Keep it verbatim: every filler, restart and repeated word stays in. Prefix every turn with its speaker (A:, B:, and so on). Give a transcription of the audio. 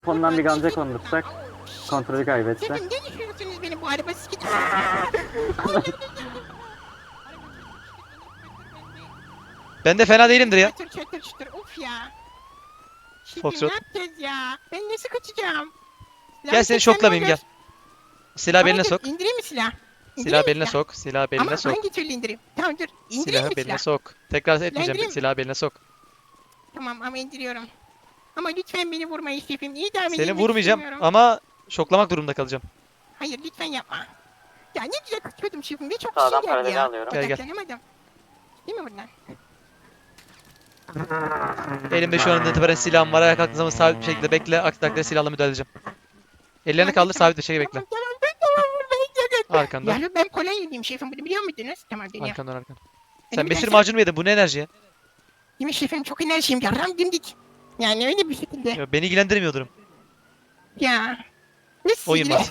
A: Fondan bir gamze kondursak kontrolü kaybetse.
B: Şefim ne düşünüyorsunuz benim bu araba sikeceğim.
C: Ben de fena değilimdir ya.
B: Çatır çatır çatır of ya. Şefim
C: Foxtrot.
B: ne yapacağız ya? Ben nasıl kaçacağım?
C: Gel seni şoklamayayım gel. Silah beline sok.
B: İndireyim mi silah? İndireyim
C: Silah
B: mi
C: beline sok. Silah beline
B: Ama
C: sok.
B: hangi türlü indireyim? Tamam dur. İndireyim
C: Silahı
B: mi
C: beline
B: silah?
C: sok. Tekrar etmeyeceğim.
B: indireyim.
C: Silahı beline sok.
B: Tamam ama indiriyorum. Ama lütfen beni vurmayın şefim. İdam edilmek
C: Seni vurmayacağım
B: istemiyorum.
C: ama şoklamak durumunda kalacağım.
B: Hayır lütfen yapma. Ya ne güzel kaçıyordum şefim. Ne çok
A: Sağdan
B: şey geldi
A: paraleli
B: ya.
A: alıyorum.
C: Gel, gel.
B: Odaklanamadım. Değil mi buradan?
C: Elimde şu an itibaren silahım var. Ayağa kalktığım zaman sabit bir şekilde bekle. Aksi takdirde silahla müdahale edeceğim. Ellerini kaldır sabit bir şekilde bekle.
B: Tamam tamam ben tamam vurmayın sakın.
C: Arkandan.
B: Ya ben kolay yediğim şefim bunu biliyor muydunuz? Tamam deniyorum.
C: Arkandan arkan.
B: Benim
C: Sen
B: bir
C: mesir
B: dersim-
C: macunu mu yedin? Bu ne enerji ya?
B: Değil mi şefim çok enerjiyim ya. Ram dimdik. Yani öyle bir şekilde.
C: Ya beni ilgilendirmiyor durum.
B: Ya. Ne
C: Oyun
B: sinirli.
C: var.